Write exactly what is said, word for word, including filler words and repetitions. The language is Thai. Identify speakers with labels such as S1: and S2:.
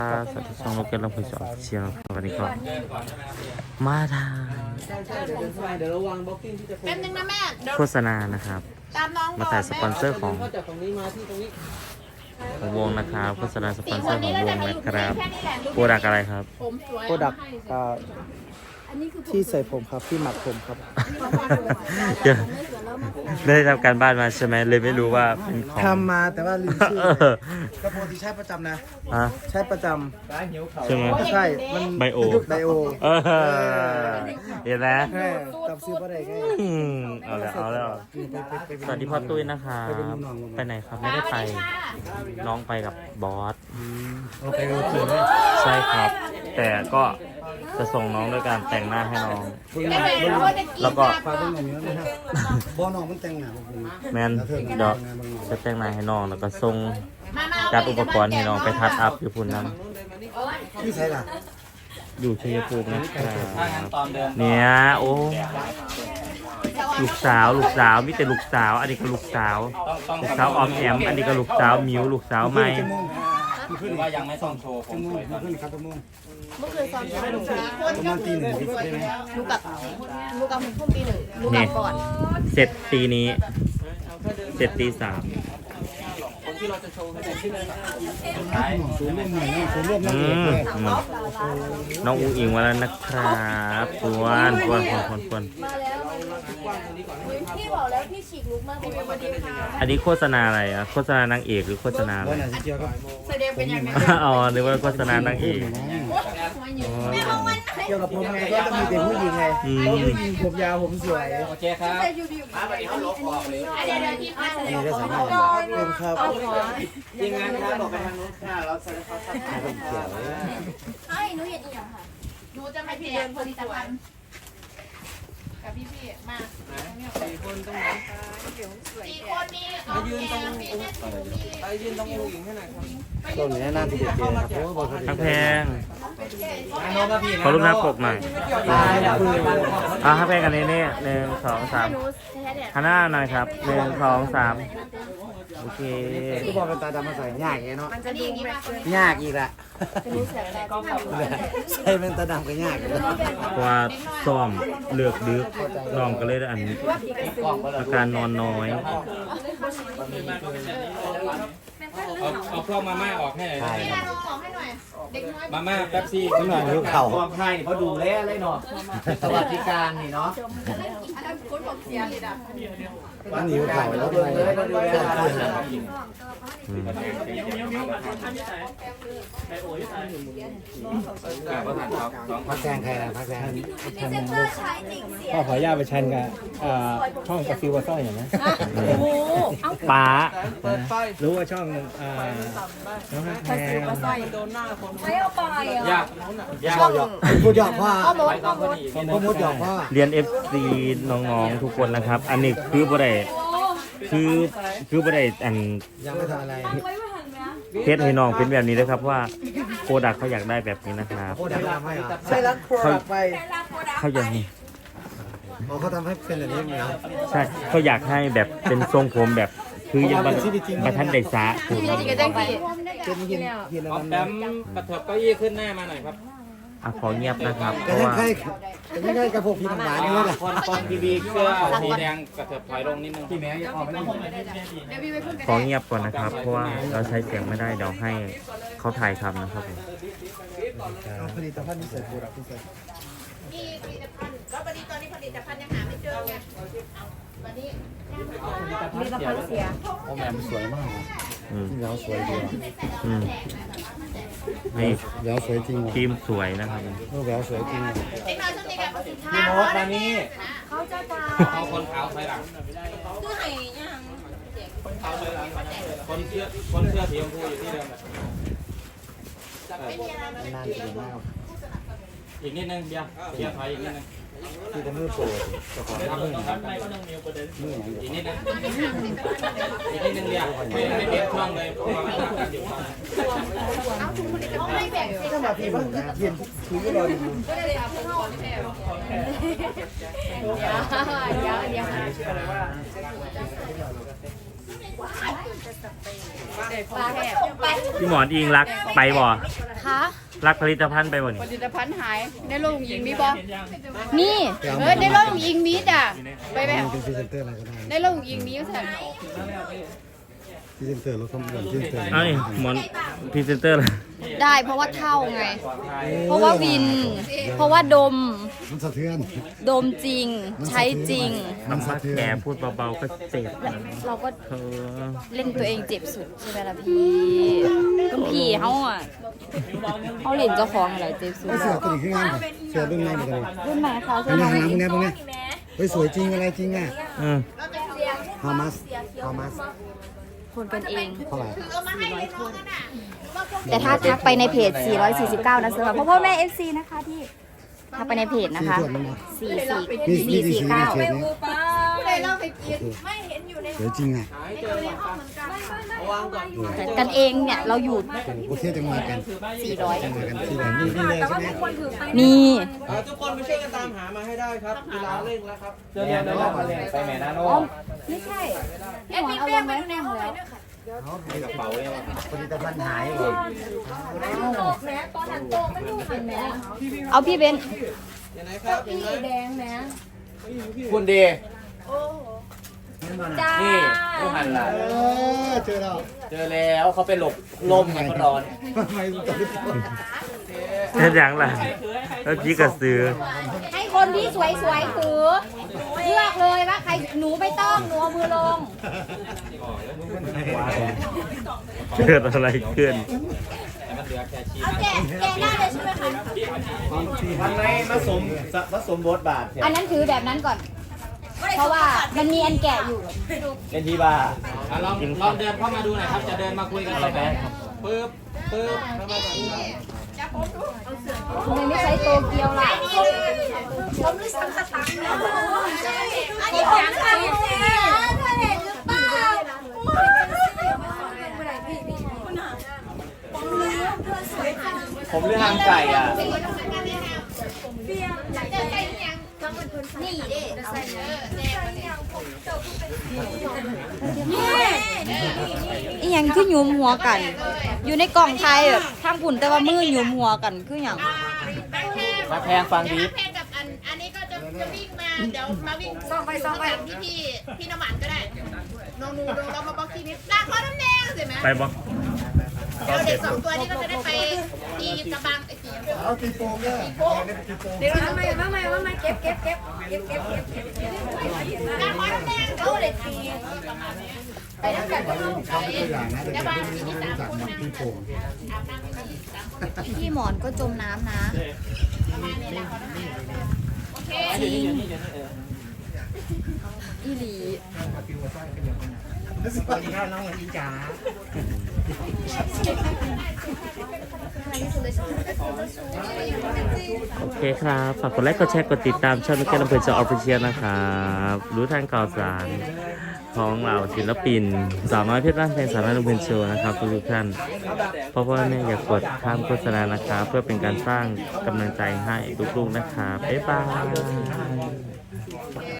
S1: สวัสดีช่องโลกเกนลำพูนสองเชียร์วันนี้ก็มาทาง
S2: เดี๋ยวระวังบล็อกกิ้งที่จะ
S3: แป๊บนึงนะแม่เดี๋ยว
S1: โฆษณานะครับ
S3: ตามน้อง
S1: มาถ่ายสปอนเซอร์ของ
S2: เข้าจากฝั่งนี้มาที่ตรงนี้
S1: ของวงนะครับโฆษณาสปอนเซอ
S3: คน
S1: ร์ขอ
S3: นี้
S1: ง
S3: เรา
S1: ว
S3: จะ
S1: ง
S3: มาอ
S1: นะ
S3: ยู่
S1: ครับ
S3: แค่นี้แหละ
S1: โปรดักอะไรครับ
S3: ผมสวย
S2: โปรดักที่ใส่ผมครับที่หมักผมครับ
S1: เดี๋ยวได้ทำการบ้านมาใช่ไหมเลยไม่รู้ว่าเป็นของ
S2: ทำมาแต่ว่าลืมชื่อ
S1: เออก
S2: ระโปรงที่ใช้ประจำนะ
S1: ฮะ
S2: ใช้ประจ
S1: ใช่ไหม
S2: ำใช่ มัน
S1: ไบโอ
S2: ไบโอ
S1: เออเห็นไหม
S2: แค่จำซื้อมาได้ไง
S1: อืมเอาแล้วเอาแล้วสวัสดีพ่อตุ้ยนะครับไปไหนครับไม่ได้ไปน้องไปกับบอส
S2: โอเคโอเคไหม
S1: ใช่ครับ แต่ก็จะส่งน้องด้วยการแต่งหน้าให้น้อง แล้วก็
S2: ฝากเบิ่งหน่อยนะครับบอน้องมันแต่งหน้าผม
S1: แมนเดี๋ยวจะแต่งหน้าให้น้องแล้วก็ส่งจัดอุปกรณ์ให้น้องไปทัดอัพอยู่พุ่นนั้น
S2: ที่ใช้ล่ะ
S1: อยู่ชัยภูมินะครับเนี่ยโอ้ลูกสาวลูกสาวมีแต่ลูกสาว อันนี้ก็ลูกสาวลูกสาวออมแอมอันนี้ก็ลูกสาวมิวลูกสาวไม่
S4: หรือว่ายังไม่ต้องโชว์ผมสวยตอน
S2: ขึ้น
S4: นี้
S2: ครับชั่วโมง
S3: เมื่อคืนซ้อมสี่คน
S2: ประมาณตีหนึ่งได้ไหม
S3: ลูกกับลูกกับผมพุ่มตีหนึ่งลูกกับก่อน
S1: เสร็จตีนี้ เสร็จตีสาม
S4: คนที่เราจะโชว์คือชื่อสุดท้าย
S2: ศูนย์ร่วมหน่อยนะศูนย์ร่วมนั่ง
S1: อื
S2: เอก
S1: ม
S2: เลย
S1: อืมน้องอูอิงมาแล้วนะครับควนควนควนควนควน
S3: มาแล้วพี่บอกแล้วพี่ฉีกลุกมากเป็นวันดีค่ะ
S1: อันนี้โฆษณาอะไรอะโฆษณานางเอกหรือโฆษณาอะไร
S2: วันไหนที่เกี่ยวกับ
S3: แสดงเป็นยังไง
S1: อ๋อนึกว่าโฆษณานางเอก
S3: แม่ห้องวัน
S2: เกี่ยวกับผมไงก็ต้องมีแต่ผู้หญิงไงเพราะผู้หญิงผมยาวผมสวย
S4: โอเคครับ
S3: เดี๋ยวเดี๋ยวพี่พาแสดง
S2: นี่ได้สามารถเป็นครับ
S4: ทีมงานครับบอกไปทางนู้นค่ะเราจะได้เขาสักทาย
S2: เป็นเกี่ยว
S3: ให้หนูเห็นอีกอย่างค่ะหนูจะไปเรียนผลิตภัณฑ์กับพี่พี่มาสี่คนตรงไหนสี่คนนี่เอายืนตรงไปยืนตรงอู่หญิงให้หน่อยครับ
S2: ต้นนี้น่าจะเด็ดเลยครับเพราะว่าบอล
S1: ทั้งแพง
S4: โน้ตพี่
S1: ขอรูปหน้าปกหน่อยอ่ะทั้งแพงกันนี้นี่หนึ่งสองสามหันหน้าหน่อยครับหนึ่งสองสามโอเค
S2: ก็บอกเป็นตาดำมาใส่ยากไงเนาะ
S3: มันจะดีมาก
S2: ยากอีกละใส่เป็นตาดำก็ยากเลย
S1: เพราะว่าซ้อมเลือกดึกน้องก็เลยได้อันอาการนอนน้อย
S4: เอาเอาพวกมาม่าออกให้หน่อย
S3: พี่นาลองบอกให้หน่อยเด็กน้อย
S4: มาม่าแป๊บซี่
S2: ขึ้นมาหิวเข่า
S4: ความให้เขาดูแลเลยเนาะสวัสดิการนี่เนาะ
S3: อันนั้นคุณบอกเสียเลยนะ
S2: มันหิวเข่าแล้ว
S4: ดู
S2: เลย
S4: แลเขาดูแล
S1: อืม
S2: พักแซงใครล่ะพักแซง
S5: พ่อขออนุญาตไปชันกับอ่าช่องกาฟิวว่าสร้อยอย่างนะ
S1: ป้า
S5: รู้ว่าช่องอ่าน้องฮักแพง
S3: ไม่เอาไปอ่ะ
S4: ยากยาก
S2: หยอกพูดหยอกพ่อ
S3: เอาหมดเอาหมด
S2: พ่อมดหยอกพ่อ
S1: เรียน เอฟ ซี น้องๆทุกคนนะครับ อันนี้คือบ่ได้คือคือบ่ได้อัน
S2: ยังไม่ทำอะไร
S1: เพชรให้น้องเป็นแบบนี้นะครับว่าโปรดักเขาอยากได้แบบนี้นะครับ
S2: โคดักทำให้เหรอใช่แล้วโคดักไป
S1: เขาอยากนี่
S2: อ๋อเขาทำให้เป็นแบบนี้เหรอ
S1: ใช่เขาอยากให้แบบเป็นทรงผมแบบ คือยังบันบันทันได้สาถูก
S3: จริงๆก็ได้กี่
S2: เป็นหินหิน
S4: ออม
S2: ดำ
S4: แปมกระเถิบเก้าอี้ขึ้นหน้ามาหน่อยครับ
S1: อ่ะขอเงียบนะครับเพ
S2: ก็
S1: ราะ
S2: ยัง
S1: ว่า
S2: ใครก็ยังใครกระผมพี่หมานี่แหละ
S4: คนคนทีวีเสื้อสีแดงกระเถิบถอยลงนิดนึงพี่แม่ออกไม่ได้
S3: เดี๋ยวพี่ไปพูดกัน
S1: ขอเงียบก่อนนะครับ เพราะว่าเราใช้เสียงไม่ได้เดี๋ยวให้เขาถ่ายทำนะครับผม
S2: ผลิตภัณฑ์นี้ใส่โคดักที่ใส่
S3: มีผลิตภัณฑ์แล้ววันนี้ตอนนี้ผลิตภัณฑ์ยังหาไม่เจอไงวันนี้ผลิตภัณฑ์เสีย
S2: โอ้แม่มันสวยมาก
S1: อืม
S2: ที่แล้วสวยดี
S1: อืมนี่
S2: แล้วสวยจริง
S1: ทีมสวยนะครับ
S2: รูปแล้วสวยจริง
S3: เด็กน้อยช่วงนี้กับสินค้า
S4: พี่โน้ตมานี่
S3: เขาจะไป
S4: เอาคนขาวถอยหลัง
S3: คือให้ยัง
S4: คนขาวถอยหลังคนเสื้อคนเสื้อสีชมพูอยู่ที่เดิม
S3: ไม่มีอะไร
S2: นานจริงมาก
S4: อีกนิดนึงเบียร์เบียร์ถอยอีกนิดนึง
S2: ที่จะมือโปรเจ้าของมือมือ
S4: อีกนิดนึงอีกนิดนึงเบียร์ไม่ไม่เบียร์ช่วงเลยเพราะว่ามันต่างกันอยู่
S3: เอาถุงผลิตภัณฑ์ไม่แบ่งสิ
S2: ถ้ามาพี่บ้างเทียนคุยก็รออยู่
S3: ก็เลยเอาเข้าแถวเดี๋ยวเดี๋ยวเดี๋ยวปลาก็ส่งไป
S1: พี่หมอนอิงรักไปบ่
S3: คะ
S1: รักผลิตภัณฑ์ไปบ่นี่
S6: ผลิตภัณฑ์หายในโรงยิงมีบอนี่เออในโรงยิงมีจ้ะไปแบบ
S2: เป็นพรีเซนเตอร์อะไรก็ได้
S6: ในโรงยิงมีอยู่สั่น
S2: พรีเซนเตอร์รถคำเงินพรีเซนเตอร์
S1: เอ้ยหมอนพรีเซนเตอร์เลย
S6: ได้เพราะว่าเท่าไง เพราะว่าวิน เพราะว่าดม
S2: มันสะเทือน
S6: ดมจริง ใช้จริง
S2: มันสะเทือน
S1: แกพูดเบาๆก็เจ็บนะ
S6: เราก็
S1: เธอ
S6: เล่นตัวเองเจ็บสุดใช่ไหมล่ะพี่คุณพี่เขาอ่ะเขาเล่นเจ้าของอะไรเจ็บสุด
S2: ไอ้เสือตัวนี้คืองานเสือรุ่นไหนเหมือนกัน
S6: รุ่นไหนคะ
S2: เป็นงานน้ำพวกนี้พวกนี้เฮ้ยสวยจริงอะไรจริงอ่ะ
S1: อืม
S2: how much how much
S6: คนกันเอง
S2: เท่าไหร่
S6: แต่ถ้าทักไปในเพจ สี่ร้อยสี่สิบเก้า นะเสือเพราะพ่อแม่ เอฟ ซี นะคะที่ทักไปในเพจนะ
S2: สี
S6: คะ
S2: ส่วนมันนะ
S6: สี่
S2: มี
S6: สี่
S2: มี
S6: สี่
S2: กี่
S6: สี่
S2: สีใน
S6: เก้า
S2: เขตนี้
S3: ไม่เห็นอยู่ใน
S2: สวยจริงอ่ะ
S6: กันเองเนี่ยเราอยู่
S2: โอเคจะมากัน
S6: สี่ร้อย
S2: จะมากันที่ไหนนี่นี่เลยใช่ไหม
S6: นี่
S4: ทุกคนไปช่วยกันตามหามาให้ได้ครับเวลาเร่งแล้วครับ
S5: เดี๋ยวเดี๋ยวเดี๋ยวไปแม่นาโน
S6: ไม่ใช่
S3: แอดมินเรียกไปดูในห้องเลยด้วยค่ะ
S2: ผลิตภัณฑ์หายเหรอ
S3: โตแม้ตอนนั้นโตมันอยู่หันแม้
S6: เอาพี่เบน
S4: ยังไงครับ
S3: พี่แดงแม้
S5: คุณดี
S3: จ้า
S5: นี่ผู้หันหลัง
S2: เออเจอแล้ว
S5: เจอแล้วเขาไปหลบลมไงเขาร้อน
S2: ทำไมตัวนี้
S1: เช่นอย่างไรแล้วจีกระสือ
S6: ให้คนที่สวยๆถือเลือกเลยว่าใครหนูไม่ต้องหนูเอามือลง
S1: เกิดอะไรขึ้น
S3: เอาแกะแกะได้เลยใช่ไหมคะ
S5: ทำไมมาสมผสมบทบาท
S6: อันนั้นถือแบบนั้นก่อน เพราะว่ามันมีอันแกะอยู่
S5: เล่นที่บ้า
S4: อ่ะลองลองเดินเข้ามาดูหน่อยครับ จะเดินมาคุยกันเลยไหมปึ๊บปึ๊บเข้ามาแบบนี้
S6: ทำไมไม่ใช้โตเกียวล่ะ
S3: ผมรู้สึกสตังค์นะอันนี้ผมทำเนี่ยเธอเห็นหรือเปล่า
S5: ผมเลือกทางไก่อ่ะ
S3: นี่ดิ
S6: อีหยังคือหยุมหัวกัน อยู่ในกล่องไทยแบบทางปุ่นแต่ว่ามือหยุมหัวกันคืออย่าง
S5: มาแพงฟังดี
S3: แพนกับอันอันนี้ก็จะจะวิ่งมาเดี๋ยวมาวิ่งซ่องไปซ่องไปที่พี่พี่น้ำหมันก็ได้น้องนูเราเรามาบล็อกทีนี้ลากข้อน้ำแดงสิไหม
S1: ไปบ่
S3: เดี๋ยวเด็กสองตัวนี้ก็จะได้ไปตีกระบังไอ้ตี
S2: เอาตีโป่งเนี่ยตีโป่ง
S3: เดี๋ยวทำไมว่าไงว่าไงเก็บเก็บเก็บเก็บเก็บเก็บเก็บลากข้อน้ำแดงเขาเลยตีไปแล้วกันก็ต้องไป
S2: ตัวอย่างนะเดี๋ยว
S3: กระบัง
S2: จะ
S3: ที
S2: ไม่
S3: นี้
S2: รู้
S3: สาม
S2: จัก
S3: คน
S2: มัน
S3: นะ
S2: ตีโป่ง
S3: อาบน้ำทีสามคน
S6: พี่หมอนก็จมน้ำนะ
S3: ประมาณนี้แหละโอเค
S6: จริงอีหลี
S2: รู้สึกตอนนี้น้องอีจ๋า
S1: โอเคครับ ฝากกดไลค์ กดแชร์ กดติดตามช่องมิเกลลำเพลินจอออฟฟิเชียลนะครับ รู้ทางข่าวสารของเราศิลปิน สาวน้อยเพชรบ้านเพลงสาวน้อยลำเพลินโชว์นะครับทุกท่าน เพราะว่าแม่อยากกดข้ามโฆษณานะครับ เพื่อเป็นการสร้างกำลังใจให้ลูกๆนะครับ บ๊ายบาย